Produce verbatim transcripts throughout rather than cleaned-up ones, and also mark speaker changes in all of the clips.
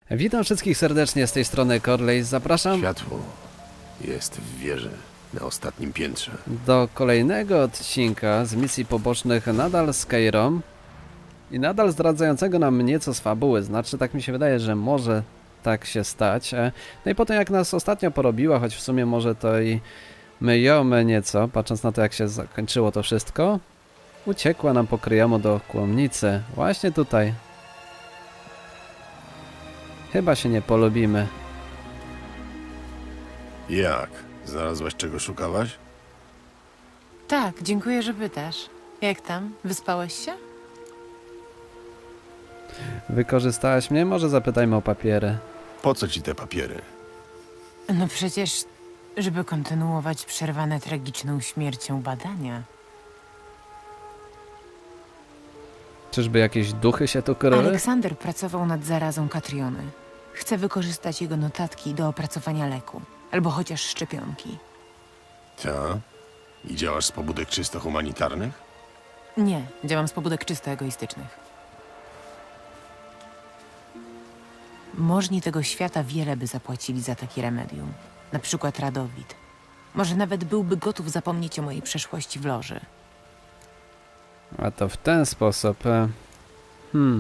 Speaker 1: Witam wszystkich serdecznie z tej strony Corley. Zapraszam
Speaker 2: Światło jest w wieży na ostatnim piętrze.
Speaker 1: do kolejnego odcinka z misji pobocznych nadal z Keirą i nadal zdradzającego nam nieco z fabuły. Znaczy, tak mi się wydaje, że może tak się stać. No i potem jak nas ostatnio porobiła, choć w sumie może to i myjemy nieco, patrząc na to jak się zakończyło to wszystko, uciekła nam po kryjomu do kłomnicy. Właśnie tutaj. Chyba się nie polubimy.
Speaker 2: Jak? Znalazłaś czego szukałaś?
Speaker 3: Tak, dziękuję, że pytasz. Jak tam? Wyspałeś się?
Speaker 1: Wykorzystałaś mnie? Może zapytajmy o papiery.
Speaker 2: Po co ci te papiery?
Speaker 3: No przecież, żeby kontynuować przerwane tragiczną śmiercią badania.
Speaker 1: Czyżby jakieś duchy się tu kryły?
Speaker 3: Aleksander pracował nad zarazą Katriony. Chce wykorzystać jego notatki do opracowania leku. Albo chociaż szczepionki.
Speaker 2: Ta? I działasz z pobudek czysto humanitarnych?
Speaker 3: Nie, działam z pobudek czysto egoistycznych. Możni tego świata wiele by zapłacili za takie remedium. Na przykład Radowid. Może nawet byłby gotów zapomnieć o mojej przeszłości w loży.
Speaker 1: A to w ten sposób. e, Hmm.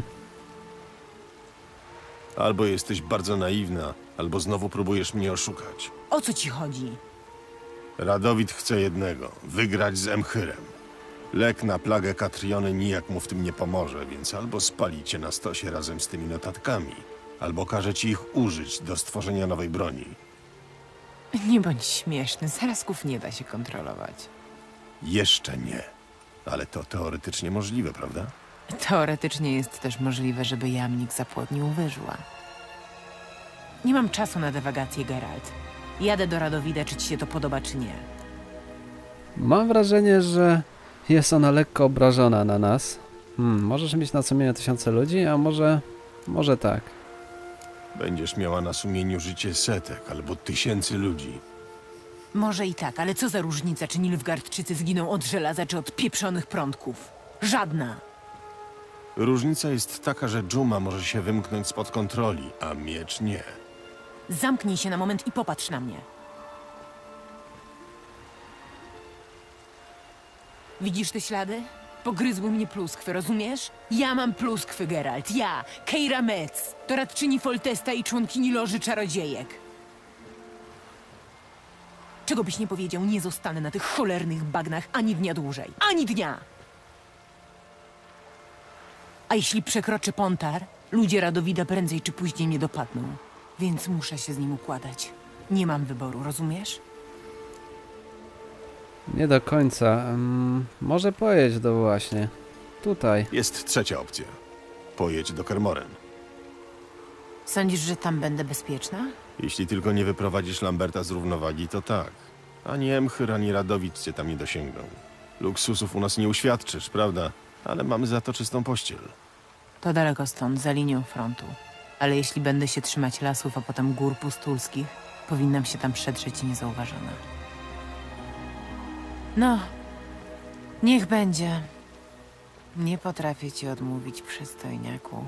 Speaker 2: Albo jesteś bardzo naiwna, albo znowu próbujesz mnie oszukać.
Speaker 3: O co ci chodzi?
Speaker 2: Radowid chce jednego, wygrać z Emchyrem. Lek na plagę Katriony nijak mu w tym nie pomoże, więc albo spali cię na stosie razem z tymi notatkami, albo każe ci ich użyć do stworzenia nowej broni.
Speaker 3: Nie bądź śmieszny, zarazków nie da się kontrolować.
Speaker 2: Jeszcze nie. Ale to teoretycznie możliwe, prawda?
Speaker 3: Teoretycznie jest też możliwe, żeby jamnik zapłodnił wyżła. Nie mam czasu na dywagację, Geralt. Jadę do Radowida, czy ci się to podoba, czy nie.
Speaker 1: Mam wrażenie, że jest ona lekko obrażona na nas. Hmm, możesz mieć na sumieniu tysiące ludzi, a może... może tak.
Speaker 2: Będziesz miała na sumieniu życie setek albo tysięcy ludzi.
Speaker 3: Może i tak, ale co za różnica, czy Nilfgaardczycy zginą od żelaza, czy od pieprzonych prądków? Żadna!
Speaker 2: Różnica jest taka, że dżuma może się wymknąć spod kontroli, a miecz nie.
Speaker 3: Zamknij się na moment i popatrz na mnie. Widzisz te ślady? Pogryzły mnie pluskwy, rozumiesz? Ja mam pluskwy, Geralt. Ja, Keira Metz, doradczyni Foltesta i członkini Loży Czarodziejek. Czego byś nie powiedział, nie zostanę na tych cholernych bagnach ani dnia dłużej. Ani dnia! A jeśli przekroczę Pontar, ludzie Radowida prędzej czy później mnie dopadną. Więc muszę się z nim układać. Nie mam wyboru, rozumiesz?
Speaker 1: Nie do końca. Mm, może pojedź do właśnie. Tutaj.
Speaker 2: Jest trzecia opcja. Pojedź do Kermoren.
Speaker 3: Sądzisz, że tam będę bezpieczna?
Speaker 2: Jeśli tylko nie wyprowadzisz Lamberta z równowagi, to tak. Ani Emchyr, ani Radowid cię tam nie dosięgną. Luksusów u nas nie uświadczysz, prawda? Ale mamy za to czystą pościel.
Speaker 3: To daleko stąd, za linią frontu. Ale jeśli będę się trzymać lasów, a potem gór pustulskich, powinnam się tam przedrzeć niezauważona. No, niech będzie. Nie potrafię ci odmówić, przystojniaku.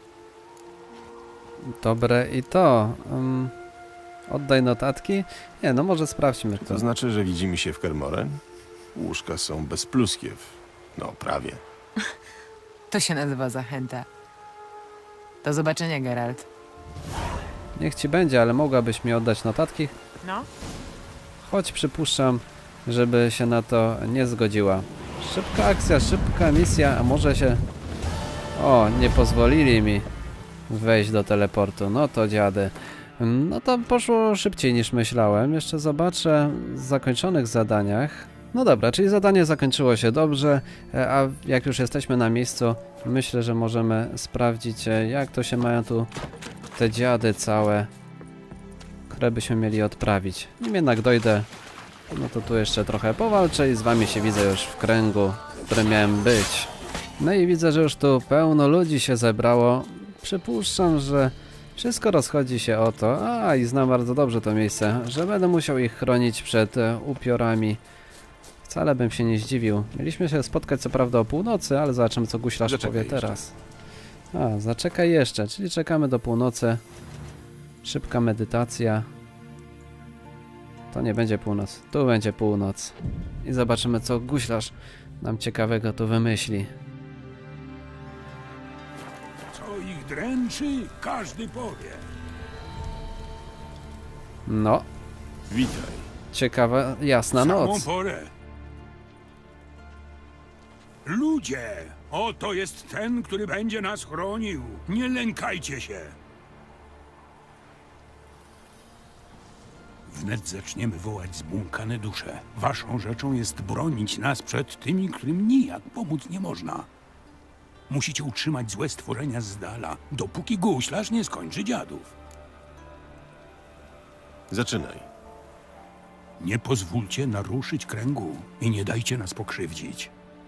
Speaker 1: Dobre i to. Um, oddaj notatki? Nie, no może sprawdźmy to.
Speaker 2: To znaczy, że widzimy się w Kermoren? Łóżka są bez pluskiew. No, prawie.
Speaker 3: To się nazywa zachęta. Do zobaczenia, Geralt.
Speaker 1: Niech ci będzie, ale mogłabyś mi oddać notatki?
Speaker 3: No?
Speaker 1: Choć przypuszczam, żeby się na to nie zgodziła. Szybka akcja, szybka misja, a może się... O, nie pozwolili mi wejść do teleportu. No to dziady. No to poszło szybciej niż myślałem. Jeszcze zobaczę w zakończonych zadaniach. No dobra, czyli zadanie zakończyło się dobrze, a jak już jesteśmy na miejscu, myślę, że możemy sprawdzić, jak to się mają tu te dziady całe, które byśmy mieli odprawić. Nim jednak dojdę, no to tu jeszcze trochę powalczę i z wami się widzę już w kręgu, w którym miałem być. No i widzę, że już tu pełno ludzi się zebrało. Przypuszczam, że wszystko rozchodzi się o to, a i znam bardzo dobrze to miejsce, że będę musiał ich chronić przed e, upiorami. Wcale bym się nie zdziwił. Mieliśmy się spotkać co prawda o północy, ale zobaczymy co guślarz
Speaker 2: Zaczekaj
Speaker 1: powie
Speaker 2: jeszcze.
Speaker 1: teraz. A, zaczekaj jeszcze, czyli czekamy do północy. Szybka medytacja. To nie będzie północ, tu będzie północ. I zobaczymy, co guślarz nam ciekawego tu wymyśli.
Speaker 4: Co ich dręczy, każdy powie.
Speaker 1: No,
Speaker 2: Witaj.
Speaker 1: ciekawa, jasna
Speaker 4: Samą
Speaker 1: noc.
Speaker 4: porę. Ludzie, oto jest ten, który będzie nas chronił. Nie lękajcie się. Wnet zaczniemy wołać zbłąkane dusze. Waszą rzeczą jest bronić nas przed tymi, którym nijak pomóc nie można. Musicie utrzymać złe stworzenia z dala, dopóki guślarz nie skończy dziadów.
Speaker 2: Zaczynaj.
Speaker 4: Nie pozwólcie naruszyć kręgu i nie dajcie nas pokrzywdzić.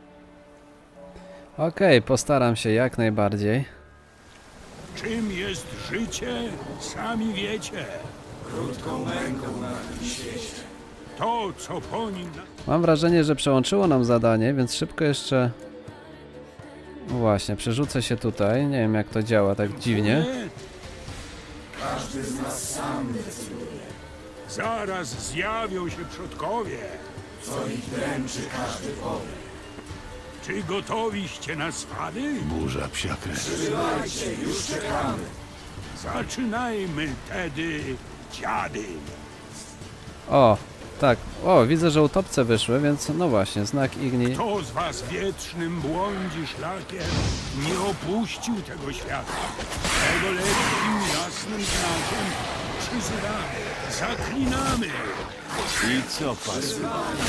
Speaker 1: Okej, postaram się jak najbardziej.
Speaker 4: Czym jest życie, sami wiecie. Krótką męką na tym świecie. To, co po nim...
Speaker 1: Mam wrażenie, że przełączyło nam zadanie, więc szybko jeszcze... Właśnie, przerzucę się tutaj. Nie wiem, jak to działa tak dziwnie.
Speaker 4: Każdy z nas sam decyduje. Zaraz zjawią się przodkowie. Co ich dręczy, każdy powie. Czy gotowiście na swady?
Speaker 2: Burza psia krew.
Speaker 4: Trzymajcie, już czekamy. Zaczynajmy tedy, dziady.
Speaker 1: O, tak. O, widzę, że utopce wyszły, więc no właśnie, znak Igni.
Speaker 4: Kto z was wiecznym błądzi szlakiem, nie opuścił tego świata? Tego lekkim, jasnym znakiem przyzywamy, zaklinamy.
Speaker 2: I co, pasy?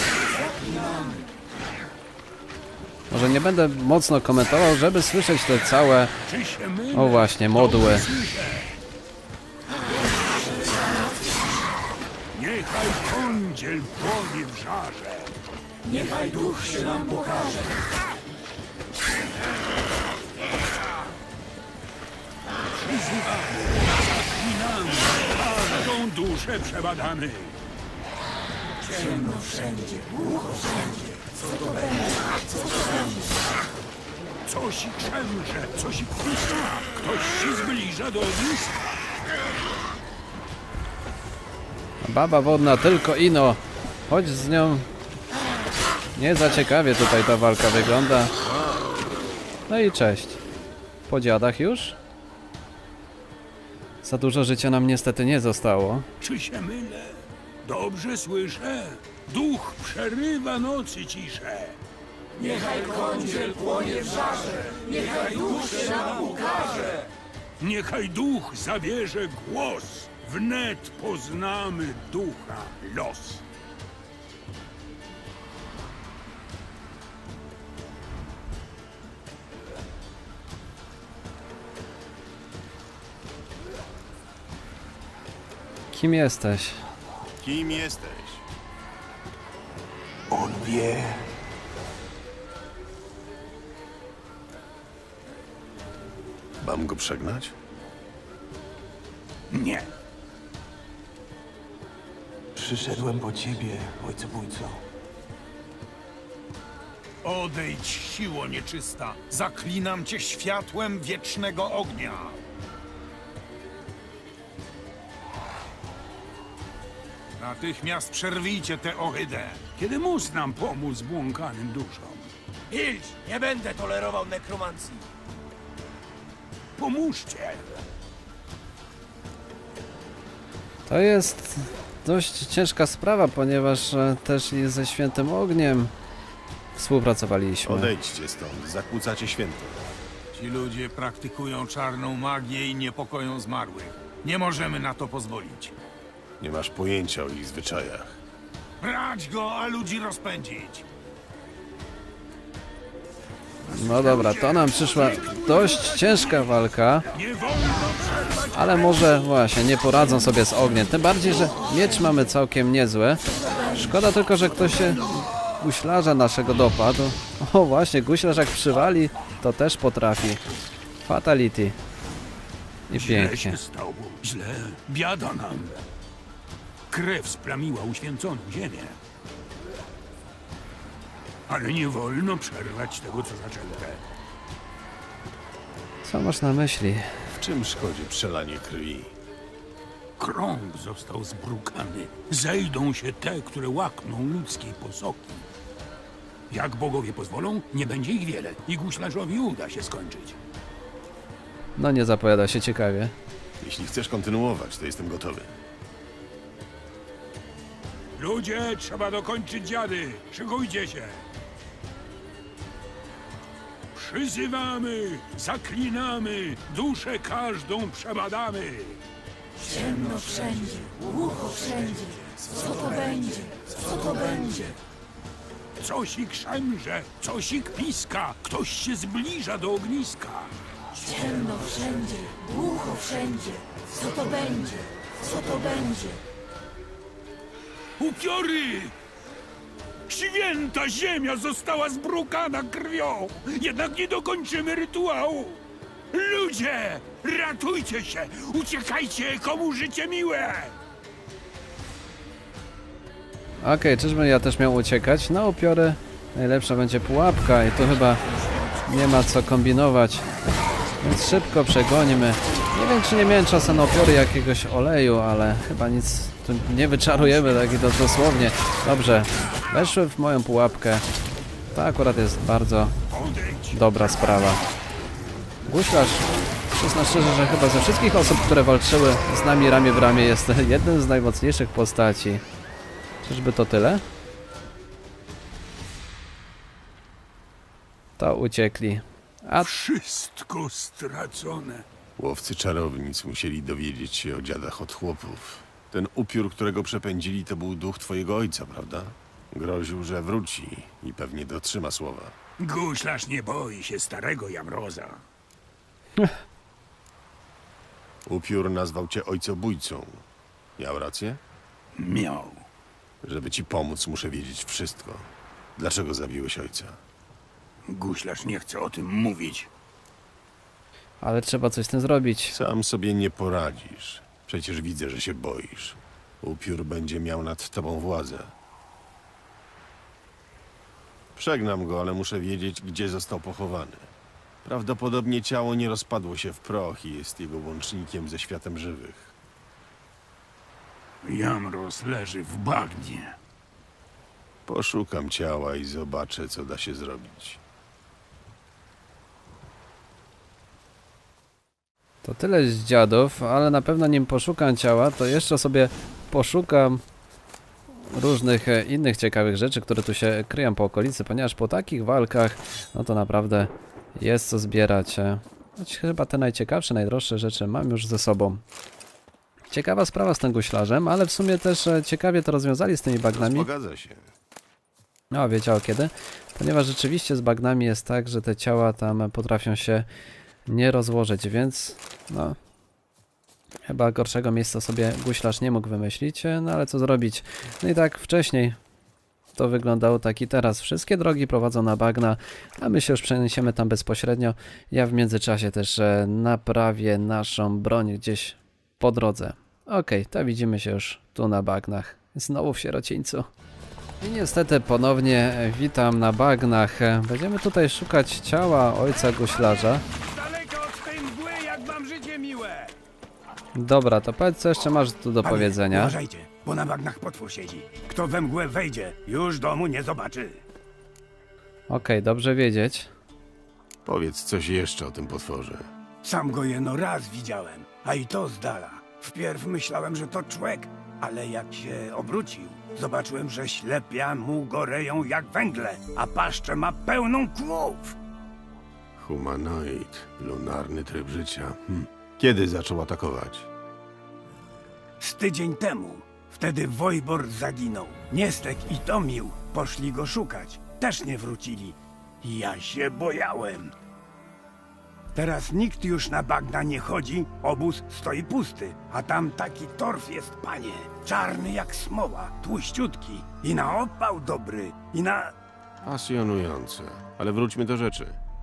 Speaker 1: Może nie będę mocno komentował, żeby słyszeć te całe...
Speaker 4: Czy się mylę?
Speaker 1: O właśnie, modły.
Speaker 4: Dobrze słyszę. Niechaj kądziel płonie w żarze. Niechaj duch się nam pokaże. Przyzywamy, zaklinamy, każdą duszę przebadamy. Ciemno wszędzie, głucho wszędzie. Co to będzie? Co to będzie? Coś krzemrze, coś piska. Ktoś się zbliża do ogniska.
Speaker 1: Baba wodna, tylko ino. Chodź z nią. Nie za ciekawie tutaj ta walka wygląda. No i cześć. Po dziadach już? Za dużo życia nam niestety nie zostało.
Speaker 4: Czy się mylę? Dobrze słyszę. Duch przerywa nocy ciszę. Niechaj kądziel płonie w żarze. Niechaj duch się nam ukaże. Niechaj duch zabierze głos. Wnet poznamy ducha los.
Speaker 1: Kim jesteś?
Speaker 2: Kim jesteś?
Speaker 4: On wie.
Speaker 2: Mam go przegnać?
Speaker 4: Nie.
Speaker 5: Przyszedłem po ciebie, ojcobójco.
Speaker 6: Odejdź, siło nieczysta! Zaklinam cię światłem wiecznego ognia! Natychmiast przerwijcie tę ohydę!
Speaker 4: Kiedy mus nam pomóc błąkanym duszom?
Speaker 6: Milcz! Nie będę tolerował nekromancji!
Speaker 4: Pomóżcie!
Speaker 1: To jest dość ciężka sprawa, ponieważ e, też i ze Świętym Ogniem współpracowaliśmy.
Speaker 2: Odejdźcie stąd, zakłócacie święto.
Speaker 6: Ci ludzie praktykują czarną magię i niepokoją zmarłych. Nie możemy na to pozwolić.
Speaker 2: Nie masz pojęcia o ich zwyczajach.
Speaker 6: Brać go, a ludzi rozpędzić!
Speaker 1: No dobra, to nam przyszła dość ciężka walka,
Speaker 4: Nie wolno przerwać.
Speaker 1: ale może właśnie nie poradzą sobie z ogniem. Tym bardziej, że miecz mamy całkiem niezły. Szkoda tylko, że ktoś się guślarza naszego dopadł. O właśnie, guślarz jak przywali, to też potrafi. Fatality. I
Speaker 4: Źle
Speaker 1: pięknie.
Speaker 4: się stało. Źle. Biada nam. Krew splamiła uświęconą ziemię. Ale nie wolno przerwać tego, co zaczęte.
Speaker 1: Co masz na myśli?
Speaker 2: W czym szkodzi przelanie krwi?
Speaker 4: Krąg został zbrukany. Zejdą się te, które łakną ludzkiej posoki. Jak bogowie pozwolą, nie będzie ich wiele i guślarzowi uda się skończyć.
Speaker 1: No nie zapowiada się ciekawie.
Speaker 2: Jeśli chcesz kontynuować, to jestem gotowy.
Speaker 4: Ludzie, trzeba dokończyć dziady. Szykujcie się. Przyzywamy, zaklinamy, duszę każdą przebadamy.
Speaker 7: Ciemno wszędzie, głucho wszędzie. Co to będzie? Co to będzie?
Speaker 4: Coś ich szemrze, coś ich piska, ktoś się zbliża do ogniska.
Speaker 7: Ciemno wszędzie, głucho wszędzie. Co to będzie? Co to będzie?
Speaker 4: Upiory! Święta ziemia została zbrukana krwią, jednak nie dokończymy rytuału. Ludzie, ratujcie się, uciekajcie, komu życie miłe!
Speaker 1: Okej, okay, czyżbym ja też miał uciekać? Na upiory najlepsza będzie pułapka i tu chyba nie ma co kombinować. Więc szybko przegonimy. Nie wiem, czy nie miałem czasu na upiory jakiegoś oleju, ale chyba nic tu nie wyczarujemy, tak i to dosłownie. Dobrze, weszły w moją pułapkę. To akurat jest bardzo dobra sprawa. Guślarz, przyznam szczerze, że chyba ze wszystkich osób, które walczyły z nami ramię w ramię, jest jednym z najmocniejszych postaci. Czyżby to tyle? To uciekli. A
Speaker 4: Wszystko stracone.
Speaker 2: Łowcy czarownic musieli dowiedzieć się o dziadach od chłopów. Ten upiór, którego przepędzili, to był duch twojego ojca, prawda? Groził, że wróci i pewnie dotrzyma słowa.
Speaker 4: Guślarz nie boi się starego Jamroza.
Speaker 2: Upiór nazwał cię ojcobójcą. Miał rację?
Speaker 4: Miał.
Speaker 2: Żeby ci pomóc, muszę wiedzieć wszystko. Dlaczego zabiłeś ojca?
Speaker 4: Guślarz nie chce o tym mówić.
Speaker 1: ale trzeba coś z tym zrobić.
Speaker 2: Sam sobie nie poradzisz. Przecież widzę, że się boisz. Upiór będzie miał nad tobą władzę. Przegnam go, ale muszę wiedzieć, gdzie został pochowany. Prawdopodobnie ciało nie rozpadło się w proch i jest jego łącznikiem ze światem żywych.
Speaker 4: Jamroz leży w bagnie.
Speaker 2: Poszukam ciała i zobaczę, co da się zrobić.
Speaker 1: To tyle z dziadów, ale na pewno nim poszukam ciała, to jeszcze sobie poszukam różnych e, innych ciekawych rzeczy, które tu się kryją po okolicy, ponieważ po takich walkach, no to naprawdę jest co zbierać. e. Choć chyba te najciekawsze, najdroższe rzeczy mam już ze sobą. Ciekawa sprawa z tym guślarzem, ale w sumie też e, ciekawie to rozwiązali z tymi bagnami.
Speaker 2: Zgadza się.
Speaker 1: No, wiedział kiedy. Ponieważ rzeczywiście z bagnami jest tak, że te ciała tam potrafią się nie rozłożyć, więc no chyba gorszego miejsca sobie guślarz nie mógł wymyślić, no ale co zrobić. No i tak wcześniej to wyglądało tak i teraz. Wszystkie drogi prowadzą na bagna, a my się już przeniesiemy tam bezpośrednio. Ja w międzyczasie też e, naprawię naszą broń gdzieś po drodze. Okej, to widzimy się już tu na bagnach. Znowu w sierocińcu. I niestety ponownie witam na bagnach. Będziemy tutaj szukać ciała ojca guślarza.
Speaker 6: Daleko od tej mgły, jak mam życie miłe!
Speaker 1: Dobra, to powiedz, co jeszcze masz tu do
Speaker 8: Panie,
Speaker 1: powiedzenia.
Speaker 8: Uważajcie, bo na bagnach potwór siedzi. Kto we mgłę wejdzie, już domu nie zobaczy.
Speaker 1: Okej, dobrze wiedzieć.
Speaker 2: Powiedz coś jeszcze o tym potworze.
Speaker 8: Sam go jeno raz widziałem, a i to z dala. Wpierw myślałem, że to człek, ale jak się obrócił, zobaczyłem, że ślepia mu goreją jak węgle, a paszczę ma pełną kłów.
Speaker 2: Humanoid, lunarny tryb życia. Hm. Kiedy zaczął atakować?
Speaker 8: Z tydzień temu. Wtedy Wojbor zaginął. Niestek i Tomił poszli go szukać. Też nie wrócili. Ja się bojałem. Teraz nikt już na bagna nie chodzi, obóz stoi pusty, a tam taki torf jest, panie. Czarny jak smoła, tłuściutki i na opał dobry, i na...
Speaker 2: Pasjonujące. Ale wróćmy do rzeczy.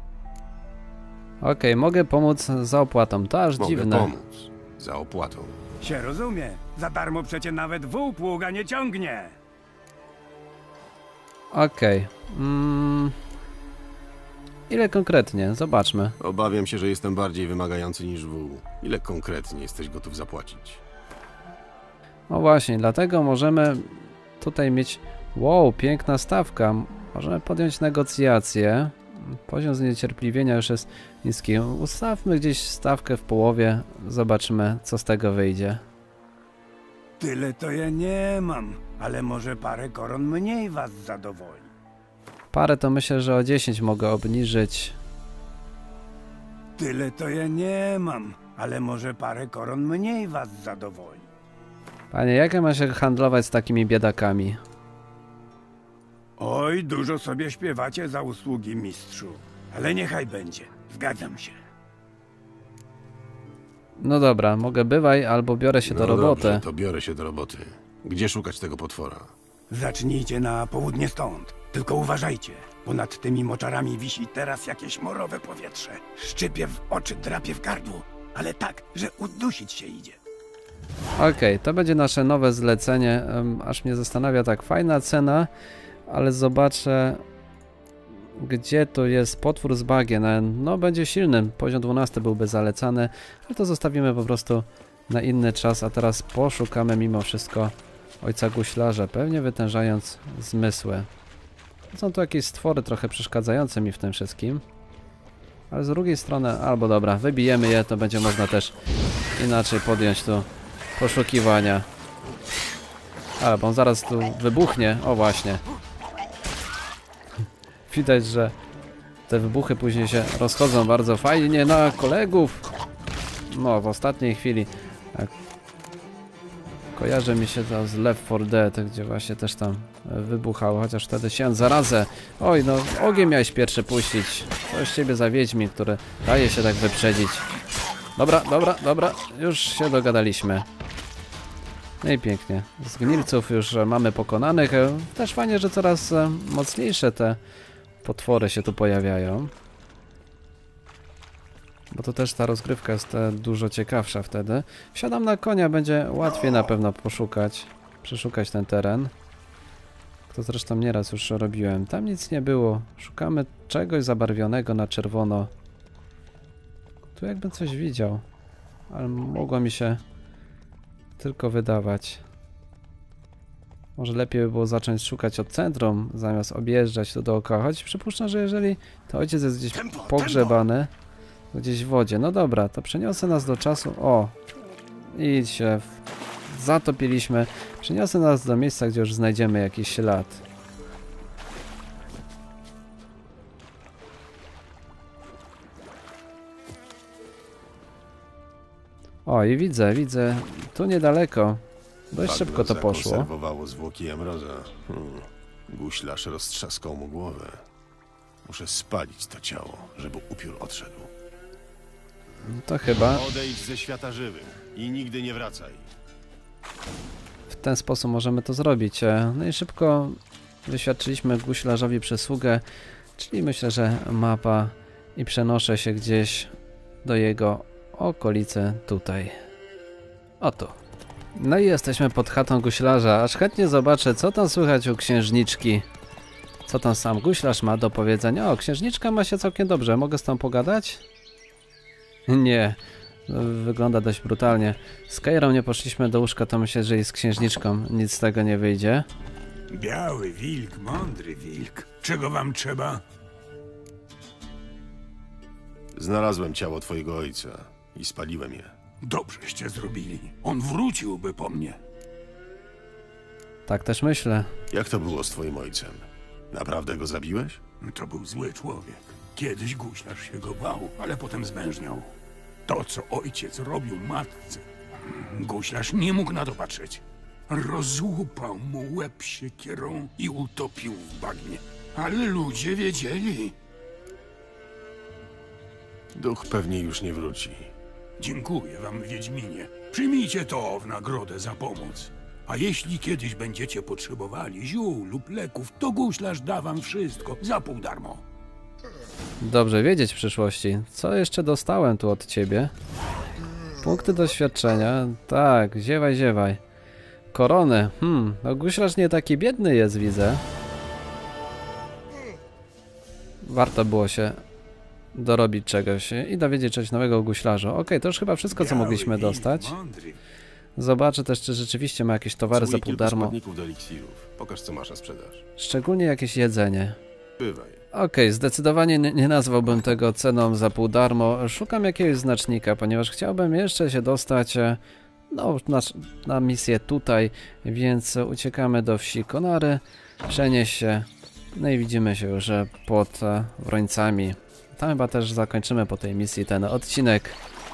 Speaker 1: Okej, mogę pomóc za opłatą. To aż
Speaker 2: Mogę
Speaker 1: dziwne.
Speaker 2: pomóc. Za opłatą.
Speaker 8: Się rozumie, za darmo przecie nawet wół pługa nie ciągnie.
Speaker 1: Okej. Mm. Ile konkretnie? Zobaczmy.
Speaker 2: Obawiam się, że jestem bardziej wymagający niż wół. Ile konkretnie jesteś gotów zapłacić?
Speaker 1: No właśnie, dlatego możemy tutaj mieć... Wow, piękna stawka. Możemy podjąć negocjacje. Poziom zniecierpliwienia już jest niski. Ustawmy gdzieś stawkę w połowie. Zobaczymy, co z tego wyjdzie.
Speaker 8: Tyle to ja nie mam, ale może parę koron mniej was zadowoli.
Speaker 1: Parę to myślę, że o dziesięć mogę obniżyć.
Speaker 8: Tyle to ja nie mam, ale może parę koron mniej was zadowoli.
Speaker 1: Panie, jak ja mam się handlować z takimi biedakami?
Speaker 8: Oj, dużo sobie śpiewacie za usługi, mistrzu. Ale niechaj będzie. Zgadzam się.
Speaker 1: No dobra, mogę bywaj, albo biorę się do
Speaker 2: No
Speaker 1: roboty.
Speaker 2: dobrze, to biorę się do roboty. Gdzie szukać tego potwora?
Speaker 8: Zacznijcie na południe stąd. Tylko uważajcie, bo nad tymi moczarami wisi teraz jakieś morowe powietrze. Szczypie w oczy, drapie w gardło, ale tak, że udusić się idzie.
Speaker 1: Okej, to będzie nasze nowe zlecenie. Um, aż mnie zastanawia, tak, fajna cena, ale zobaczę, gdzie tu jest potwór z bagien. No, będzie silny, poziom dwunasty byłby zalecany, ale to zostawimy po prostu na inny czas, a teraz poszukamy mimo wszystko ojca guślarza, pewnie wytężając zmysły. Są tu jakieś stwory trochę przeszkadzające mi w tym wszystkim, ale z drugiej strony, albo dobra, wybijemy je, to będzie można też inaczej podjąć tu poszukiwania. Ale bo on zaraz tu wybuchnie, o właśnie. Widać, że te wybuchy później się rozchodzą bardzo fajnie na kolegów. No, w ostatniej chwili. Tak. Kojarzy mi się to z Left four Dead, gdzie właśnie też tam wybuchało, chociaż wtedy się zarazę. Oj, no ogień miałeś pierwszy puścić. To z ciebie za wiedźmi, który daje się tak wyprzedzić. Dobra, dobra, dobra, już się dogadaliśmy. No i pięknie. Z gnilców już mamy pokonanych. Też fajnie, że coraz mocniejsze te potwory się tu pojawiają. Bo to też ta rozgrywka jest dużo ciekawsza wtedy. Wsiadam na konia, będzie łatwiej na pewno poszukać, przeszukać ten teren. To zresztą nieraz już robiłem. Tam nic nie było. Szukamy czegoś zabarwionego na czerwono. Tu jakbym coś widział. Ale mogło mi się tylko wydawać. Może lepiej by było zacząć szukać od centrum, zamiast objeżdżać tu dookoła. Choć przypuszczam, że jeżeli to ojciec jest gdzieś pogrzebany, gdzieś w wodzie. No dobra, to przeniosę nas do czasu. O! Idź się. Zatopiliśmy. Przeniosę nas do miejsca, gdzie już znajdziemy jakiś ślad. O, i widzę, widzę. Tu niedaleko. Dość
Speaker 2: Bagno
Speaker 1: szybko to poszło.
Speaker 2: zakonserwowało zwłoki Emroza. Hmm. Guślarz roztrzaskał mu głowę. Muszę spalić to ciało, żeby upiór odszedł.
Speaker 1: To chyba
Speaker 2: Odejdź ze świata żywych i nigdy nie wracaj.
Speaker 1: w ten sposób możemy to zrobić. E, No i szybko wyświadczyliśmy guślarzowi przysługę, czyli myślę, że mapa i przenoszę się gdzieś do jego okolicy tutaj. Oto. No i jesteśmy pod chatą guślarza, aż chętnie zobaczę, co tam słychać u księżniczki. Co tam sam guślarz ma do powiedzenia. O, księżniczka ma się całkiem dobrze, mogę z tą pogadać? Nie, wygląda dość brutalnie. Z Keirą nie poszliśmy do łóżka, to myślę, że i z księżniczką nic z tego nie wyjdzie.
Speaker 4: Biały wilk, mądry wilk. Czego wam trzeba?
Speaker 2: Znalazłem ciało twojego ojca i spaliłem je.
Speaker 4: Dobrzeście zrobili. On wróciłby po mnie.
Speaker 1: Tak też myślę.
Speaker 2: Jak to było z twoim ojcem? Naprawdę go zabiłeś?
Speaker 4: To był zły człowiek. Kiedyś guślarz się go bał, ale potem zwężniał. To, co ojciec robił matce, guślarz nie mógł na to patrzeć. Rozłupał mu łeb siekierą i utopił w bagnie. Ale ludzie wiedzieli.
Speaker 2: Duch pewnie już nie wróci.
Speaker 4: Dziękuję wam, Wiedźminie. Przyjmijcie to w nagrodę za pomoc. A jeśli kiedyś będziecie potrzebowali ziół lub leków, to guślarz da wam wszystko za pół darmo.
Speaker 1: Dobrze wiedzieć w przyszłości. Co jeszcze dostałem tu od ciebie? Punkty doświadczenia. Tak, ziewaj, ziewaj. Korony. Hmm, no guślarz nie taki biedny jest, widzę. Warto było się dorobić czegoś i dowiedzieć czegoś nowego o guślarzu. Okej, to już chyba wszystko, co
Speaker 4: Biały
Speaker 1: mogliśmy
Speaker 4: wilk,
Speaker 1: dostać.
Speaker 4: mądry.
Speaker 1: Zobaczę też, czy rzeczywiście ma jakieś towary za
Speaker 2: Potrzebuję
Speaker 1: pół
Speaker 2: kilku
Speaker 1: darmo.
Speaker 2: składników do eliksirów. Pokaż, co masz na sprzedaż.
Speaker 1: Szczególnie jakieś jedzenie.
Speaker 2: Bywaj.
Speaker 1: Okej, zdecydowanie nie, nie nazwałbym tego ceną za pół darmo. Szukam jakiegoś znacznika, ponieważ chciałbym jeszcze się dostać e, no, na, na misję tutaj, więc uciekamy do wsi Konary, przenieść się, no i widzimy się już e, pod e, Wrońcami. Tam chyba też zakończymy po tej misji ten odcinek.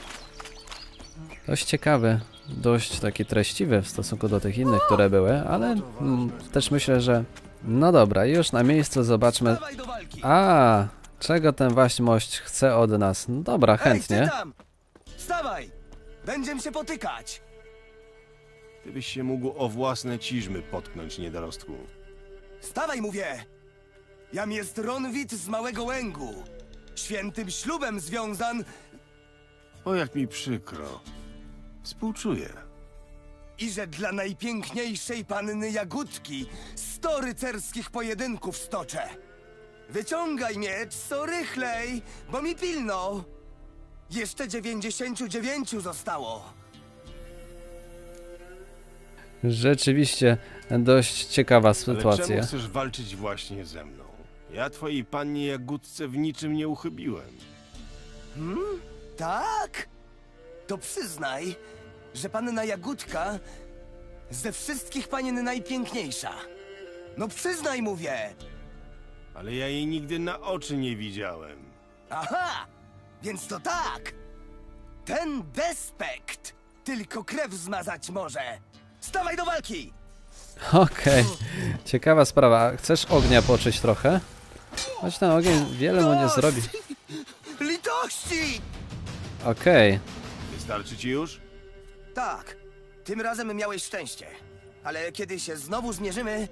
Speaker 1: Dość ciekawy, dość taki treściwy w stosunku do tych innych, które były, ale mm, też myślę, że no dobra, już na miejscu zobaczmy. A, czego ten waśmość chce od nas? No dobra, chętnie.
Speaker 5: Ej, ty tam! Wstawaj! Będziemy się potykać!
Speaker 2: Ty byś się mógł o własne ciżmy potknąć, niedorostku.
Speaker 5: Wstawaj, mówię! Jam jest Ronwit z Małego Łęgu. Świętym ślubem związan
Speaker 2: O, jak mi przykro. Współczuję.
Speaker 5: i że dla najpiękniejszej panny Jagódki sto rycerskich pojedynków stoczę. Wyciągaj miecz, co rychlej, bo mi pilno. Jeszcze dziewięćdziesięciu dziewięciu zostało.
Speaker 1: Rzeczywiście dość ciekawa
Speaker 2: Ale czemu
Speaker 1: sytuacja.
Speaker 2: chcesz walczyć właśnie ze mną? Ja twojej pannie Jagódce w niczym nie uchybiłem.
Speaker 5: Hmm? Tak? To przyznaj, że panna Jagódka ze wszystkich panien najpiękniejsza. No przyznaj, mówię.
Speaker 2: Ale ja jej nigdy na oczy nie widziałem.
Speaker 5: Aha! Więc to tak! Ten despekt tylko krew zmazać może. Stawaj do walki!
Speaker 1: Okej, ciekawa sprawa. Chcesz ognia poczuć trochę? Choć ten ogień wiele mu nie
Speaker 5: Dość!
Speaker 1: zrobi.
Speaker 5: Litości!
Speaker 1: Okej,
Speaker 2: Wystarczy ci już?
Speaker 5: Tak, tym razem miałeś szczęście. Ale kiedy się znowu zmierzymy,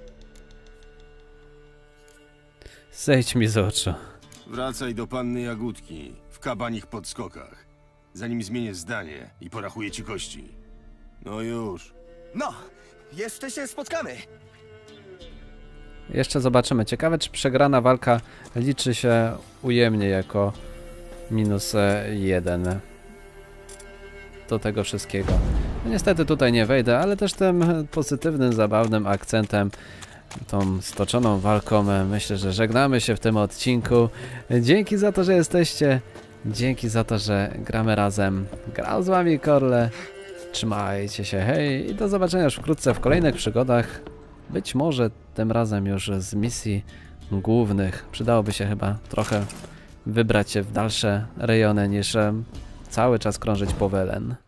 Speaker 1: zejdź mi z oczu.
Speaker 2: Wracaj do panny Jagódki w kabanich podskokach. Zanim zmienię zdanie i porachuję ci kości. No już.
Speaker 5: no, jeszcze się spotkamy.
Speaker 1: Jeszcze zobaczymy. Ciekawe, czy przegrana walka liczy się ujemnie jako minus e, jeden do tego wszystkiego. No niestety tutaj nie wejdę, ale też tym pozytywnym, zabawnym akcentem, tą stoczoną walką, e, myślę, że żegnamy się w tym odcinku. Dzięki za to, że jesteście. Dzięki za to, że gramy razem. Grał z wami Korle. Trzymajcie się, hej i do zobaczenia już wkrótce w kolejnych przygodach. Być może tym razem już z misji głównych. Przydałoby się chyba trochę wybrać się w dalsze rejony niż em, cały czas krążyć po Welen.